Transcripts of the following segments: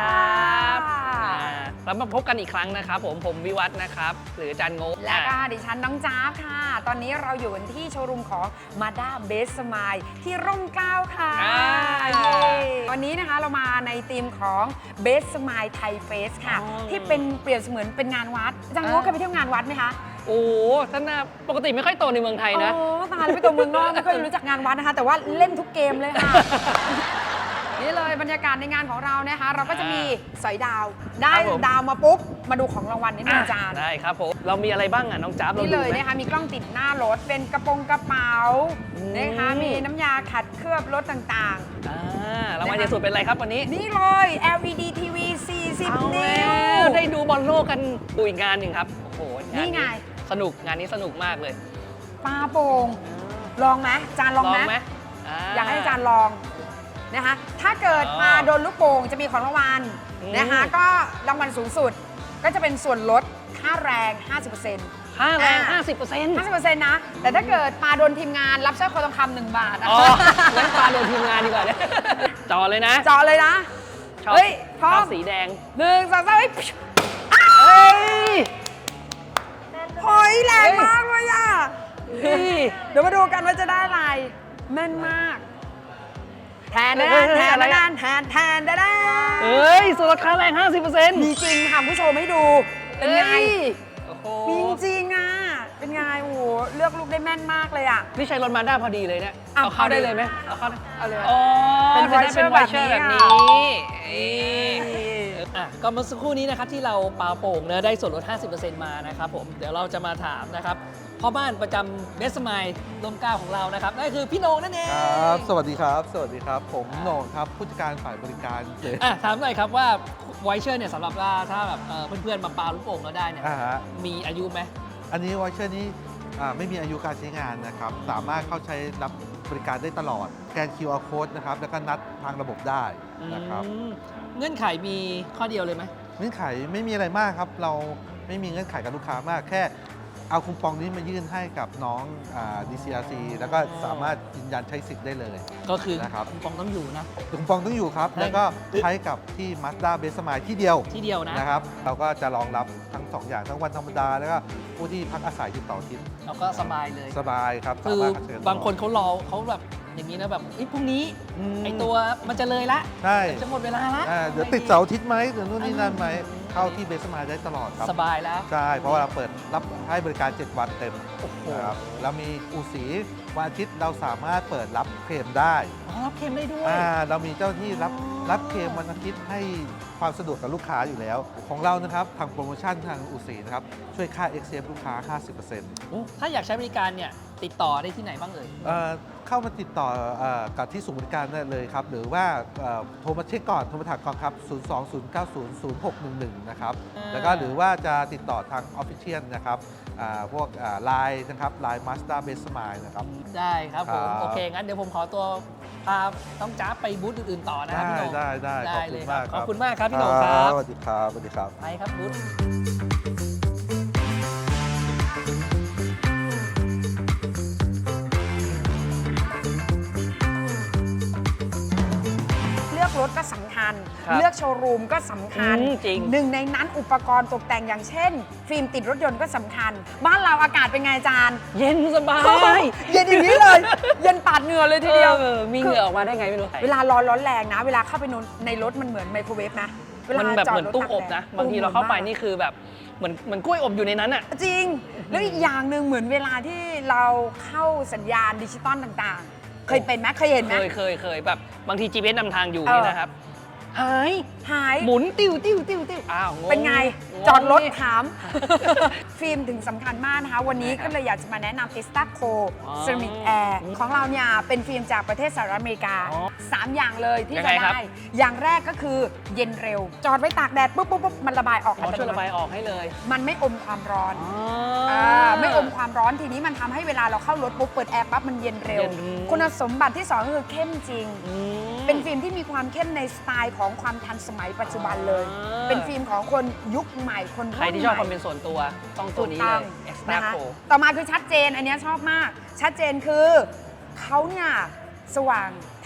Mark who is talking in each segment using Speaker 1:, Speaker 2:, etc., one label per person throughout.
Speaker 1: ครับแล้วมาพบกันอีกครั้งนะครับผมวิวัฒน์นะครับหรืออาจารย์โง่
Speaker 2: และก็ดิฉันน้องจ๊าบค่ะตอนนี้เราอยู่กันที่โชว์รูมของ Mazda Best Smile ที่ร่มเกล้าค่ะวันนี้นะคะเรามาในธีมของ Best Smile Thai Fest ค่ะที่เป็นเปรียบเสมือนเป็นงานวัดอาจารย์โง่เคยไปเที่ยวงานวัดไหมคะ
Speaker 1: โอ้ท่านปกติไม่ค่อยโตในเมืองไทยนะ
Speaker 2: ตายแล้วไปตัวเมืองนอกไม่ค่อยรู้จักงานวัดนะคะแต่ว่าเล่นทุกเกมเลยค่ะนี่เลยบรรยากาศในงานของเรานะคะเราก็จะมีสอยดาวได้ดาวมาปุ๊บมาดูของรางวัลนิดนึงอาจารย์
Speaker 1: ได้ครับผมเรามีอะไรบ้างอ่ะน้องจ๊าบ
Speaker 2: นี่เลยนะคะมีกล้องติดหน้ารถเป็นกระเป๋านะคะมีน้ำยาขัดเคลือบรถต่าง
Speaker 1: ๆรางวัลใหญ่สุดเป็นอะไรครับวันนี้
Speaker 2: นี่เลย LED TV 40 นิ้ว
Speaker 1: ได้ดูบอลโลกกันดูอีกงานหนึ่งครับโอ้โห
Speaker 2: นี่ไง
Speaker 1: สนุกงานนี้สนุกมากเลย
Speaker 2: ปลาโป่งลองไหมอาจารย์ลองไหมอยากให้อาจารย์ลองนะคะถ้าเกิดมาโดนลูกโป่งจะมีของรางวัลนะคะก็รางวัลสูงสุดก็จะเป็นส่วนลดค่าแรง 50%
Speaker 1: ค่าแรง 50%
Speaker 2: นะแต่ถ้าเกิดปลาโดนทีมงานรับสร้อยคอทองคำ1 บาท
Speaker 1: งั้นปลาโดนทีมงานดีกว่าเนี่ยจ่อเลยนะ
Speaker 2: เฮ้ยพร้อม
Speaker 1: สีแดง
Speaker 2: 1 2 3หอยแรงมากเลยอ่ะเดี๋ยวมาดูกันว่าจะได้อะไรแม่นมากแทนเ
Speaker 1: ฮ้ยส่วนลดค่าแรง 50%
Speaker 2: มีจริงค่ะผู้ชมให้ดูเป็นไงมีจริงอ่ะเป็นไงโอ้โหเลือกลูกได้แม่นมากเลยอ่ะ
Speaker 1: นี่ใช้รถมาด้าพอดีเลยเนี่ยเอาเข้าได้เลยไหมเอาเลย
Speaker 2: เป็นไวเชอร์แบบนี้
Speaker 1: ก็เมื่อสักครู่นี้นะครับที่เราปาโป่งเนอะได้ส่วนลด 50% มานะครับผมเดี๋ยวเราจะมาถามนะครับพ่อบ้านประจำเบสไมล์ร่มเกล้าของเรานะครับนั่นคือพี่โหน่งนั่นเอง
Speaker 3: ครับสวัสดีครับผมโหน่งครับผู้จัดการฝ่ายบริการเลย
Speaker 1: ถามหน่อยครับว่าไวเชอร์เนี่ยสำหรับถ้าแบบเพื่อนๆมาปาลูกโป่งเราได้เนี่ยมีอายุไหม
Speaker 3: อันนี้ไวเชอร์นี้ไม่มีอายุการใช้งานนะครับสามารถเข้าใช้รับบริการได้ตลอดแกน QR Code นะครับแล้วก็นัดทางระบบได้นะครับ
Speaker 1: เงื่อนไขมีข้อเดียวเลยไหม
Speaker 3: เงื่อนไขไม่มีอะไรมากครับเราไม่มีเงื่อนไขกับลูกค้ามากแค่เอาคูปองนี้มายื่นให้กับน้อง DCRC แล้วก็สามารถยืนยันใช้สิทธิ์ได้เลย
Speaker 1: ก็คือนะครับคูปองต้องอยู่นะ
Speaker 3: คูปองต้องอยู่ครับแล้วก็ใช้กับที่ Mazda Best Smile ที่เดียวนะครับเราก็จะรองรับทั้ง2อย่างทั้งวันธรรมดาแล้วก็ผู้ที่พักอาศัยที่ต่อทิศ
Speaker 1: เราก็สบายเลย
Speaker 3: สบายครับ
Speaker 1: คือบางคนเขารอเขาแบบอย่างนี้นะแบบพรุ่งนี้ไอตัวมันจะเลยละ
Speaker 3: ใช่
Speaker 1: จะหมดเวลาละ
Speaker 3: เดี๋ยวติดเสาร์อาทิตย์ไหมเดี๋ยวนู่นนี่นั่นไหมเข้าที่เบสมาได้ตลอดครับ
Speaker 1: สบายแล้ว
Speaker 3: ใช่เพราะว่าเราเปิดรับให้บริการ7 วันเต็มครับเรามีอู่สีวันอาทิตย์เราสามารถเปิดรับเคลมได้
Speaker 1: รับเคลมได้ด้วย
Speaker 3: เรามีเจ้าหน้าที่รับเคลมวันอาทิตย์ให้ความสะดวกกับลูกค้าอยู่แล้วของเรานะครับทางโปรโมชั่นทางอู่สีนะครับช่วยค่า XCF ลูกค้า 50%
Speaker 1: ถ้าอยากใช้บริการเนี่ยติดต่อได้ที่ไหนบ้าง
Speaker 3: เข้ามาติดต่อกับที่ศูนย์บริการได้เลยครับหรือว่าโทรมาเช็คก่อนโทรมาถามก่อนครับ 020900611 นะครับแล้วก็หรือว่าจะติดต่อทาง Official นะครับพวกไลน์นะครับไลน์ Mazda Best Smile นะครับ
Speaker 1: ได้ครับผมโอเคงั้นเดี๋ยวผมขอตัวพาต้องจ้าไปบูธอื่นๆต่อนะครับพี่โหน่ง
Speaker 3: ได้เลยครับ
Speaker 1: ขอบคุณมากครับพี่โหน่งครับ
Speaker 3: สวัสดีครับ
Speaker 1: ไปครับบูธ
Speaker 2: รถก็สำคัญเลือกโชว์รูมก็สำคัญหนึ่งในนั้นอุปกรณ์ตกแต่งอย่างเช่นฟิล์มติดรถยนต์ก็สำคัญบ้านเราอากาศเป็นไงอาจารย์
Speaker 1: เย็นสบาย
Speaker 2: เย็นอย่างนี้เลยเย็นปาดเหงื่อเลยทีเดียว
Speaker 1: มีเหงื่อออกมาได้ไงไม่รู้
Speaker 2: เวลาร้อนแรงนะเวลาเข้าไปในรถมันเหมือนไมโครเวฟนะ
Speaker 1: มันแบบเหมือนตู้อบนะบางทีเราเข้าไปนี่คือแบบเหมือนกล้วยอบอยู่ในนั้นอ่ะ
Speaker 2: จริงแล้วอีกอย่างหนึ่งเหมือนเวลาที่เราเข้าสัญญาณดิจิตอลต่างๆเคยเป็นไหมเคยเห็นไหม
Speaker 1: เคยแบบบางที GPS นำทางอยู่นี่นะครับหายหมุนติ้วอ้าว
Speaker 2: เป็นไงจอดรถถามฟิล์มถึงสำคัญมากนะคะวันนี้ก็เลยอยากจะมาแนะนำ Testaco Ceramic Air ของเราเนี่ยเป็นฟิล์มจากประเทศสหรัฐอเมริกา3 อย่างเลยที่จะได้อย่างแรกก็คือเย็นเร็วจอดไว้ตากแดดปุ๊บมันระบายออก
Speaker 1: ช่วยระบายออกให้เลย
Speaker 2: มันไม่อมความร้อนไม่อมความร้อนทีนี้มันทำให้เวลาเราเข้ารถปุ๊บเปิดแอร์ปั๊บมันเย็นเร็วคุณสมบัติที่2ก็คือเข้มจริงเป็นฟิล์มที่มีความเข้มในสไตล์ของความทันสมัยปัจจุบันเลยเป็นฟิล์มของคนยุคใหม่คนรุ่นใหม่
Speaker 1: ใครที่ชอบความเป็นส่วนตัวต้องตัวนี้เลย
Speaker 2: นะคะต่อมาคือชัดเจนอันนี้ชอบมากชัดเจนคือเขาเนี่ยสว่างท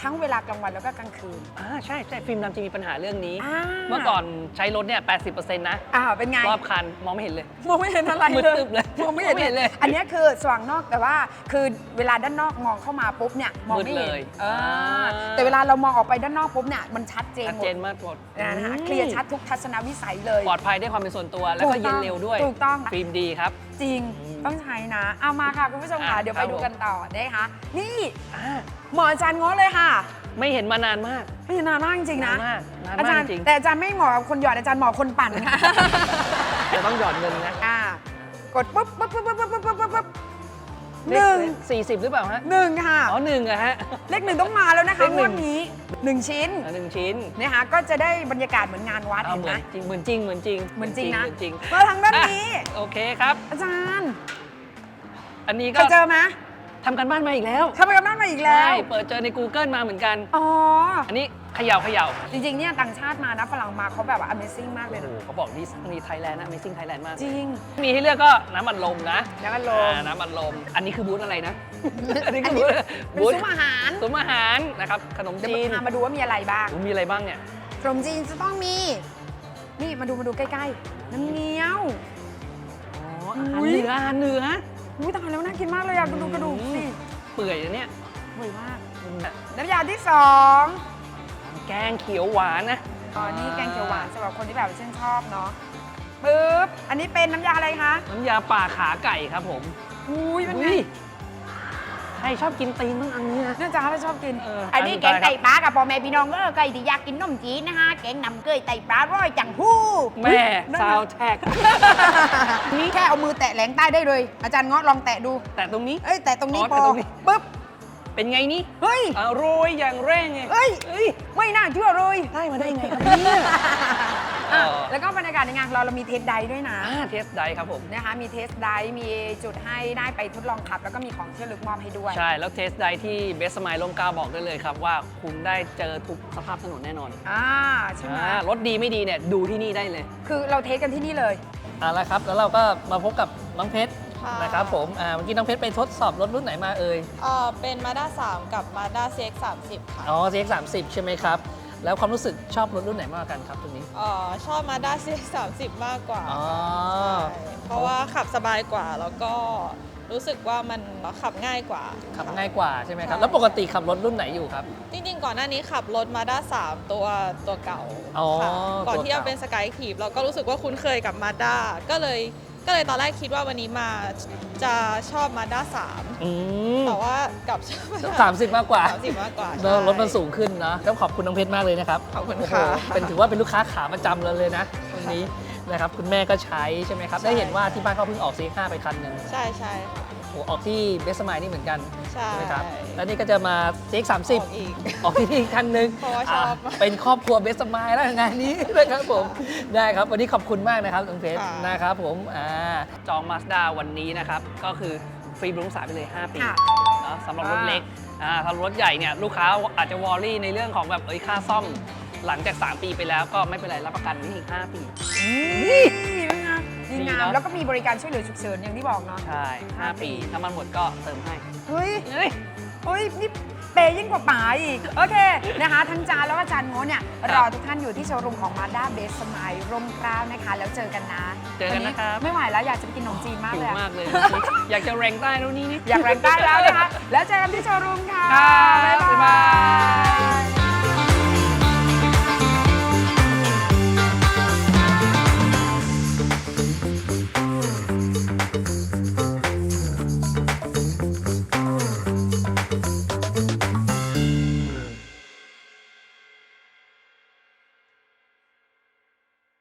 Speaker 2: ทั้งเวลากลางวันแล้วก็กลางคืน
Speaker 1: ใช่ใช่ฟิล์มดำจะมีปัญหาเรื่องนี้
Speaker 2: อ่า
Speaker 1: เมื่อก่อนใช้รถเนี่ย 80%นะ
Speaker 2: เป็นไง
Speaker 1: รอบคันมองไม่เห็นเลย
Speaker 2: มองไม่เห็นอะไร
Speaker 1: มืดตึ๊บเลย
Speaker 2: มองไม่เห็น
Speaker 1: มองไม่เห็นเลย
Speaker 2: อันนี้คือสว่างนอกแต่ว่าคือเวลาด้านนอกมองเข้ามาปุ๊บเนี่ยมองไม่เห็น
Speaker 1: มืดเลย
Speaker 2: แต่เวลาเรามองออกไปด้านนอกปุ๊บเนี่ยมันชัดเจน
Speaker 1: ชัด
Speaker 2: หม
Speaker 1: เจ
Speaker 2: ด
Speaker 1: นมากหมด
Speaker 2: นะคะเคลียร์ชัดทุกทัศนวิสัยเลย
Speaker 1: ปลอดภัยได้ความเป็นส่วนตัวแล้วก็เย็นเร็วด้วย
Speaker 2: ถูกต้อง
Speaker 1: ฟิล์มดีครับ
Speaker 2: จริงต้องใช้นะ เอามาค่ะคุณผู้ชมค่ะ เดี๋ยว
Speaker 1: ครั
Speaker 2: ไป
Speaker 1: บ
Speaker 2: ดูกันต่อนะคะ นี่
Speaker 1: อ่า
Speaker 2: หมออาจารย์ง้อเลยค่ะ
Speaker 1: ไม่เห็นมานานมาก
Speaker 2: ไม่นานมากจริงๆนะ
Speaker 1: นานมากนาน
Speaker 2: อาม
Speaker 1: าก
Speaker 2: จารย์
Speaker 1: จริง
Speaker 2: แต่อาจารย์ไม่เหมาะกับคนหยอดอาจารย์เหมาะกับคนปั่นค่ะ
Speaker 1: จะต้องหยอดเงินนะ
Speaker 2: กดปุ๊บปุ๊บปุ๊บปุ๊บปุ๊บปุ๊บปุ๊บปุ๊บ
Speaker 1: เลข40 หรือเปล่าฮะ
Speaker 2: หนึ่งค่ะ
Speaker 1: อ๋อหนึ่งอะฮะ
Speaker 2: เลขหนึ่งต้องมาแล้วนะคะ
Speaker 1: เลขหนึ่
Speaker 2: งว
Speaker 1: ง
Speaker 2: ดนี้ 1 ชิ้น
Speaker 1: หนึ่งชิ้น
Speaker 2: นะคะก็จะได้บรรยากาศเหมือนงานวัด
Speaker 1: เอา
Speaker 2: เห็น
Speaker 1: เห
Speaker 2: ไห
Speaker 1: มื
Speaker 2: ม
Speaker 1: อนจริงเหมือนจริงเหมือนจริง
Speaker 2: เหมือนจริงนะ
Speaker 1: เหมือนจริง
Speaker 2: มาทางด้านนี้
Speaker 1: อ่ะโอเคครับ
Speaker 2: อาจารย์
Speaker 1: อันนี้
Speaker 2: เค
Speaker 1: ก็
Speaker 2: ยเจอไหม
Speaker 1: ทำกันบ้านมาอีกแล้ว
Speaker 2: ทำไปกับบ้านมาอีกแล้
Speaker 1: ใช่
Speaker 2: ว
Speaker 1: เปิดเจอใน Google มาเหมือนกัน
Speaker 2: อ๋อ
Speaker 1: อันนี้เขย่าเขย่า
Speaker 2: จริงๆเนี่ยต่างชาติมานะฝรั่งมาเขาแบบว่า Amazing มากเลย
Speaker 1: โอ้
Speaker 2: นะ
Speaker 1: โหเขาบอกนี่ไทยแลนด์นะ Amazing Thailand มาก
Speaker 2: จริง
Speaker 1: มีให้เลือกก็น้ำอัดลมนะ
Speaker 2: แล้วก็ลง
Speaker 1: น้ำอัดลม อันนี้คือบูธอะไรนะ อันนี้
Speaker 2: อั
Speaker 1: คื
Speaker 2: น
Speaker 1: อ
Speaker 2: นี้
Speaker 1: บูธ
Speaker 2: เป็นซุ้มอาหาร
Speaker 1: ซุ้มอาหารนะครับ ขนม
Speaker 2: เดี๋ยว
Speaker 1: จีน
Speaker 2: พามาดูว่ามีอะไรบ้าง
Speaker 1: โอ้มีอะไรบ้างเนี่ย
Speaker 2: ขนมจีนจะต้องมี นี่มาดูใกล้ๆน้ำเงี้ยว
Speaker 1: อ๋ออาหาร
Speaker 2: อุ๊ย
Speaker 1: เหนืออาหารเหนือ
Speaker 2: อุ้ยตายแล้วน่ากินมากเลยอะกระดูกสิ
Speaker 1: เปื่อยนะเนี่ย
Speaker 2: อร่อยมาก
Speaker 1: อืม
Speaker 2: น้ำยาที่สอง
Speaker 1: แกงเขียวหวานนะ
Speaker 2: นี่แกงเขียวหวานสำหรับคนที่แบบชื่นชอบเนาะปึ๊บอันนี้เป็นน้ำยาอะไรคะ
Speaker 1: น้ำยาป่าขาไก่ครับผม
Speaker 2: อุ้ยเป็นไง
Speaker 1: อุ้ยใครชอบกินตีนต้องอันนี้นะ
Speaker 2: เนื่องจากเขาชอบกิน
Speaker 4: อันนี้แกงไก่ปลากับพ่อแม่พี่น้องไก่ที่อยากกินนมจีนนะคะแกงนำเกยไก่ปลาร้อยจังหู้
Speaker 1: แม่ซาวแท็ก
Speaker 2: นี่แค่เอามือแตะแหลงใต้ได้เลย อาจารย์เงาะลองแตะดู
Speaker 1: แต่ตรงนี้
Speaker 2: เอ้ยแตะตรงนี้
Speaker 1: อ๋อ
Speaker 2: พอ
Speaker 1: แตะตรงนี้
Speaker 2: ปึ๊บ
Speaker 1: เป็นไงนี่
Speaker 2: เฮ้ย
Speaker 1: อร่อยอย่างแรงไง
Speaker 2: เอ้ย
Speaker 1: เอ้ย
Speaker 2: ไม่น่าเชื่อเลย
Speaker 1: ได้มาได้ไงครับเนี่ย
Speaker 2: อ่ะ
Speaker 1: เออ
Speaker 2: แล้วก็บรรยากาศในงานของเรามีเทสไดด้วยนะ
Speaker 1: เทสได้ครับผม
Speaker 2: นะคะมีเทสไดมีจุดให้ได้ไปทดลองขับ แล้วก็มีของที่ระลึกมอบให้ด้วย
Speaker 1: ใช่ แล้วเทสได้ที่เบสไมล์ลมเกล้าบอกได้เลยครับว่าคุณได้เจอทุกสภาพถนนแน่นอน
Speaker 2: ใช่ไหม
Speaker 1: รถดีไม่ดีเนี่ยดูที่นี่ได้เลย
Speaker 2: คือเราเทสกันที่นี่เลย
Speaker 1: เอาละครับ แล้วเราก็มาพบกับน้องเพชร
Speaker 5: ค่ะ
Speaker 1: นะครับผมเมื่อกี้น้องเพชรไปทดสอบรถรุ่นไหนมาเอ่ย
Speaker 5: เป็น Mazda 3 กับ Mazda CX-30 ค่ะ
Speaker 1: อ๋อ CX-30 ใช่ไหมครับ แล้วความรู้สึกชอบรถรุ่นไหนมากกว่ากันครับตัวนี้
Speaker 5: ชอบ Mazda CX-30 มากกว่า
Speaker 1: อ๋อ
Speaker 5: ใช่เพราะว่าขับสบายกว่า แล้วก็รู้สึกว่ามันขับง่ายกว่า
Speaker 1: ขับ
Speaker 5: ค่ะ
Speaker 1: ง่ายกว่าใช่ไหมครับ
Speaker 5: ใช่
Speaker 1: แล้วปกติขับรถรุ่นไหนอยู่ครับ
Speaker 5: จริงๆ ก่อนหน้านี้ขับรถ Mazda 3 ตัวเก่า
Speaker 1: อ๋อ
Speaker 5: ค่ะก่อน
Speaker 1: ตัว
Speaker 5: ที่จะ
Speaker 1: เก่า
Speaker 5: เป็น Skyactiv เราก็รู้สึกว่าคุ้นเคยกับ Mazda ก็เลยตอนแรกคิดว่าวันนี้มาจะชอบ Mazda 3
Speaker 1: อืม
Speaker 5: แต่ว่ากลับชอบ Mazda
Speaker 1: 30 มากกว่า
Speaker 5: 30 มากกว่า
Speaker 1: เนอะ
Speaker 5: ใช่
Speaker 1: รถมันสูงขึ้นนะต้องขอบคุณน้องเพชรมากเลยนะครับ
Speaker 5: ขอบคุณ
Speaker 1: โอ้โห
Speaker 5: ค่ะ
Speaker 1: ถือว่าเป็นลูกค้าขาประจำเราเลยนะตรงนี้นะครับคุณแม่ก็ใช้ใช่ไหมครับ
Speaker 5: ใช่
Speaker 1: ได้เห็นว่าที่บ้านเขาเพิ่งออก CX-5 ไปคันหนึ่ง
Speaker 5: ใช่ค่ะ
Speaker 1: โอ้ออกที่เบสไมล์นี่เหมือนกัน
Speaker 5: ใช่
Speaker 1: ไหมครับ แล้วนี่ก็จะมา CX-30
Speaker 5: ออกอีก
Speaker 1: ออกที่นี่คันหนึ่ง
Speaker 5: เพราะว่าชอบ
Speaker 1: เป็นครอบครัวเบสไมล์แล้วงานนี้นะครับผมได้ครับวันนี้ขอบคุณมากนะครับน้องเพชร
Speaker 5: ค่ะ
Speaker 1: นะครับผมจอง Mazda วันนี้นะครับก็คือฟรีบรุงสายไปเลย 5 ปี
Speaker 2: ค่ะ
Speaker 1: เนอะสำหรับรถเล็กสำหรับรถใหญ่เนี่ยลูกค้าอาจจะวอรี่ในเรื่องของแบบค่าซ่อมหลังจาก 3 ปีไปแล้วก็ไม่เป็นไรรับประกันนี่อีก 5 ปี
Speaker 2: ดีงามดี
Speaker 1: ดี
Speaker 2: งาม
Speaker 1: เนอะ
Speaker 2: แล้วก็มีบริการช่วยเหลือฉุกเฉินอย่างที่บอกเนาะ
Speaker 1: ใช่ 5 ปีน้ำมันหมดก็เติมให้
Speaker 2: เฮ้ย
Speaker 1: เฮ้ย
Speaker 2: เฮ้ย นี่เปย์ยิ่งกว่าป๋าอีก โอเค นะคะ ทั้งจานแล้วก็จานโง่เนี่ย
Speaker 1: ครับ
Speaker 2: รอทุกท่านอยู่ที่โชว์รูมของ Mazda Best Smile ร่มเกล้านะคะ แล้วเจอกันนะ
Speaker 1: เจอกันนะครับ
Speaker 2: วัไม่ไหวแล้วอยากจะไปกินขนมจีนมาก
Speaker 1: หิ
Speaker 2: เล
Speaker 1: วย
Speaker 2: อะ
Speaker 1: มากเลย อยากจะแรงใต้แล้วนี่
Speaker 2: อยากแรงใต้แล้วนะคะ แล้วเจอกันที่โชว์รูมค่ะ
Speaker 1: ครับ
Speaker 2: บ๊าย
Speaker 1: บ๊าย
Speaker 2: บา
Speaker 1: บาย
Speaker 2: ย